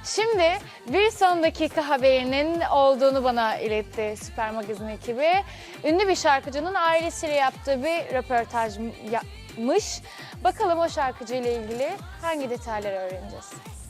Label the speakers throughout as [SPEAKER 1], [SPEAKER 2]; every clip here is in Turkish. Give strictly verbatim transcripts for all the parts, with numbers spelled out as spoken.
[SPEAKER 1] Şimdi bir son dakika haberinin olduğunu bana iletti Süper Magazin ekibi. Ünlü bir şarkıcının ailesiyle yaptığı bir röportaj yapmış. Bakalım o şarkıcıyla ilgili hangi detayları öğreneceğiz.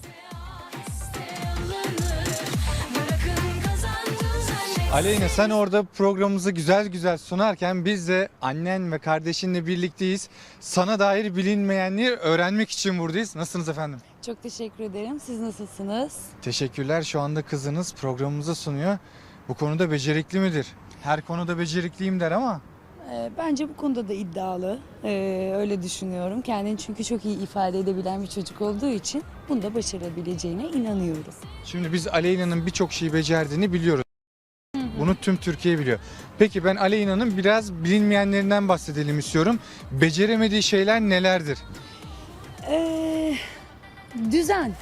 [SPEAKER 2] Aleyna, sen orada programımızı güzel güzel sunarken biz de annen ve kardeşinle birlikteyiz. Sana dair bilinmeyenleri öğrenmek için buradayız. Nasılsınız efendim?
[SPEAKER 3] Çok teşekkür ederim. Siz nasılsınız?
[SPEAKER 2] Teşekkürler. Şu anda kızınız programımızı sunuyor. Bu konuda becerikli midir? Her konuda becerikliyim der ama.
[SPEAKER 3] Ee, bence bu konuda da iddialı. Ee, öyle düşünüyorum. Kendini çünkü çok iyi ifade edebilen bir çocuk olduğu için bunu da başarabileceğine inanıyorum.
[SPEAKER 2] Şimdi biz Aleyna'nın birçok şeyi becerdiğini biliyoruz. Bunu tüm Türkiye biliyor. Peki ben Aleyna'nın biraz bilinmeyenlerinden bahsedelim istiyorum. Beceremediği şeyler nelerdir?
[SPEAKER 3] Ee, düzen.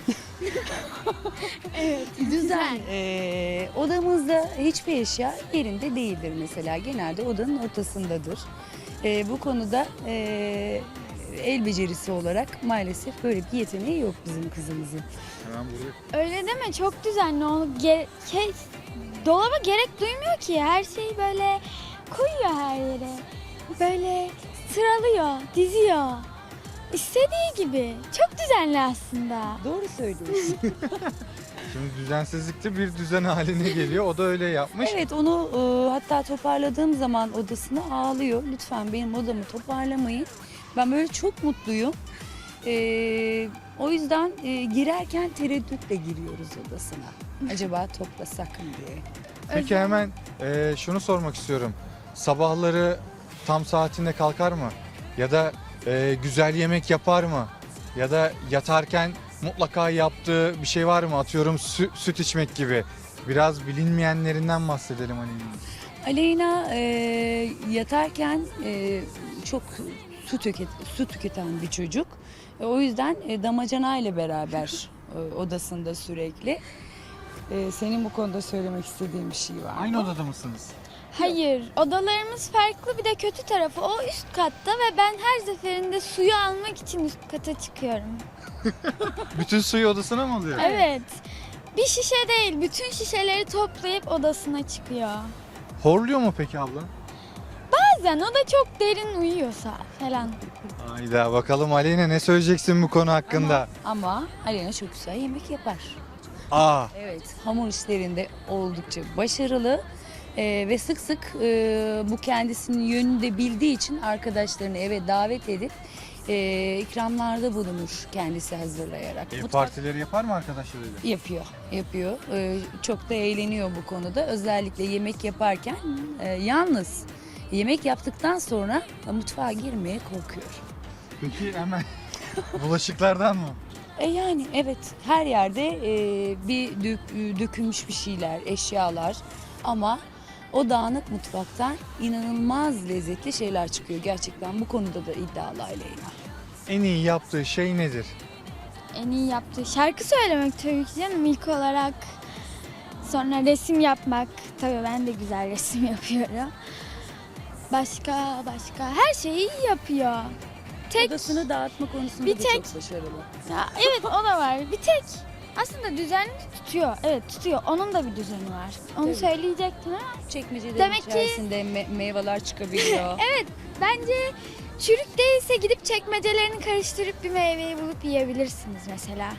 [SPEAKER 1] Evet,
[SPEAKER 3] Düzen. Ee, odamızda hiçbir eşya yerinde değildir mesela. Genelde odanın ortasındadır. Ee, bu konuda e, el becerisi olarak maalesef böyle bir yeteneği yok bizim kızımızın.
[SPEAKER 2] Hemen buraya.
[SPEAKER 4] Öyle deme, çok düzenli. Onu ge- şey, dolaba gerek duymuyor ki. Her şeyi böyle koyuyor her yere. Böyle sıralıyor, diziyor. İstediği gibi. Çok düzenli aslında.
[SPEAKER 3] Doğru söylüyorsun.
[SPEAKER 2] Şimdi düzensizlikte bir düzen haline geliyor. O da öyle yapmış.
[SPEAKER 3] Evet, onu e, hatta toparladığım zaman odasına ağlıyor. Lütfen benim odamı toparlamayın. Ben böyle çok mutluyum. E, o yüzden e, girerken tereddütle giriyoruz odasına. Acaba toplasak mı diye.
[SPEAKER 2] Peki hemen e, şunu sormak istiyorum. Sabahları tam saatinde kalkar mı? Ya da e, güzel yemek yapar mı? Ya da yatarken mutlaka yaptığı bir şey var mı? Atıyorum sü- süt içmek gibi. Biraz bilinmeyenlerinden bahsedelim Aleyna.
[SPEAKER 3] Aleyna e, yatarken e, çok su, tüket, su tüketen bir çocuk. E, o yüzden e, damacana ile beraber e, odasında sürekli. E, senin bu konuda söylemek istediğin bir şey var mı?
[SPEAKER 2] Aynı odada mısınız?
[SPEAKER 4] Hayır, odalarımız farklı. Bir de kötü tarafı o üst katta ve ben her seferinde suyu almak için üst kata çıkıyorum.
[SPEAKER 2] Bütün suyu odasına mı alıyor?
[SPEAKER 4] Evet. Bir şişe değil, bütün şişeleri toplayıp odasına çıkıyor.
[SPEAKER 2] Horluyor mu peki abla?
[SPEAKER 4] Bazen o da çok derin uyuyorsa falan.
[SPEAKER 2] Hayda, bakalım Aleyna ne söyleyeceksin bu konu hakkında?
[SPEAKER 3] Ama, ama Aleyna çok güzel yemek yapar.
[SPEAKER 2] Aa,
[SPEAKER 3] Evet, hamur işlerinde oldukça başarılı. Ee, ve sık sık e, bu kendisinin yönünü de bildiği için arkadaşlarını eve davet edip e, ikramlarda bulunur kendisi hazırlayarak.
[SPEAKER 2] ev
[SPEAKER 3] Mutfak-
[SPEAKER 2] partileri yapar mı arkadaşlarıyla?
[SPEAKER 3] Yapıyor, yapıyor. Ee, çok da eğleniyor bu konuda. Özellikle yemek yaparken e, yalnız yemek yaptıktan sonra mutfağa girmeye korkuyor.
[SPEAKER 2] Peki hemen bulaşıklardan mı?
[SPEAKER 3] E yani evet, her yerde e, bir dök- dökülmüş bir şeyler, eşyalar ama o dağınık mutfaktan inanılmaz lezzetli şeyler çıkıyor. Gerçekten bu konuda da iddialı Aleyna.
[SPEAKER 2] En iyi yaptığı şey nedir?
[SPEAKER 4] En iyi yaptığı şarkı söylemek tabii ki canım ilk olarak. Sonra resim yapmak. Tabii ben de güzel resim yapıyorum. Başka başka her şeyi iyi yapıyor. Tek
[SPEAKER 3] Odasını dağıtma konusunda
[SPEAKER 4] Bir
[SPEAKER 3] da
[SPEAKER 4] tek-
[SPEAKER 3] çok başarılı.
[SPEAKER 4] ya, evet o da var. Bir tek aslında düzenli tutuyor. Evet tutuyor. Onun da bir düzeni var. Onu
[SPEAKER 3] Tabii.
[SPEAKER 4] söyleyecektim ama
[SPEAKER 3] Çekmecelerin
[SPEAKER 4] Demek ki-
[SPEAKER 3] içerisinde me- meyveler çıkabiliyor.
[SPEAKER 4] evet bence çürük değilse gidip çekmecelerini karıştırıp bir meyveyi bulup yiyebilirsiniz mesela.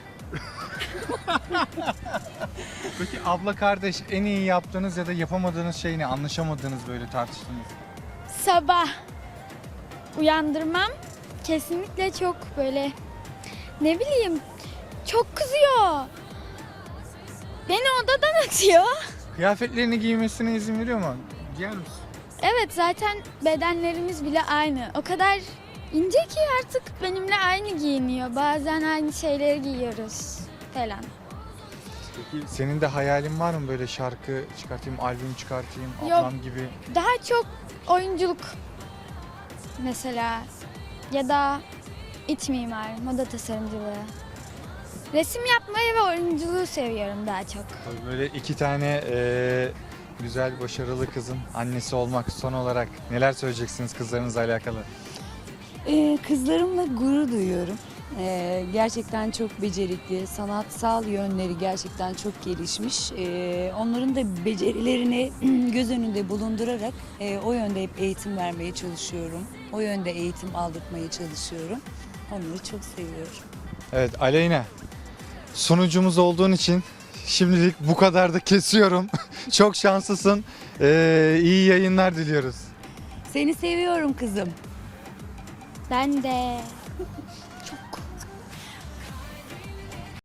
[SPEAKER 2] Peki abla kardeş en iyi yaptığınız ya da yapamadığınız şey ne? Anlaşamadığınız böyle tartıştığınız.
[SPEAKER 4] Sabah uyandırmam kesinlikle çok böyle ne bileyim çok kızıyor. Beni odadan atıyor.
[SPEAKER 2] Kıyafetlerini giymesine izin veriyor mu? Giyer misin?
[SPEAKER 4] Evet zaten bedenlerimiz bile aynı. O kadar ince ki artık benimle aynı giyiniyor. Bazen aynı şeyleri giyiyoruz falan.
[SPEAKER 2] Peki senin de hayalin var mı böyle şarkı çıkartayım, albüm çıkartayım,
[SPEAKER 4] Yok.
[SPEAKER 2] ablam gibi?
[SPEAKER 4] Daha çok oyunculuk mesela ya da iç mimar, moda tasarımcılığı. Resim yapmayı ve oyunculuğu seviyorum daha çok.
[SPEAKER 2] Tabii böyle iki tane eee, güzel, başarılı kızın annesi olmak son olarak neler söyleyeceksiniz kızlarınızla alakalı?
[SPEAKER 3] Ee, kızlarımla gurur duyuyorum. Ee, gerçekten çok becerikli, sanatsal yönleri gerçekten çok gelişmiş. Ee, onların da becerilerini göz önünde bulundurarak e, o yönde hep eğitim vermeye çalışıyorum. O yönde eğitim aldırtmaya çalışıyorum. Onları çok seviyorum.
[SPEAKER 2] Evet Aleyna, sunucumuz olduğun için şimdilik bu kadar da kesiyorum. Çok şanslısın. Ee, iyi yayınlar diliyoruz.
[SPEAKER 3] Seni seviyorum kızım.
[SPEAKER 4] Ben de.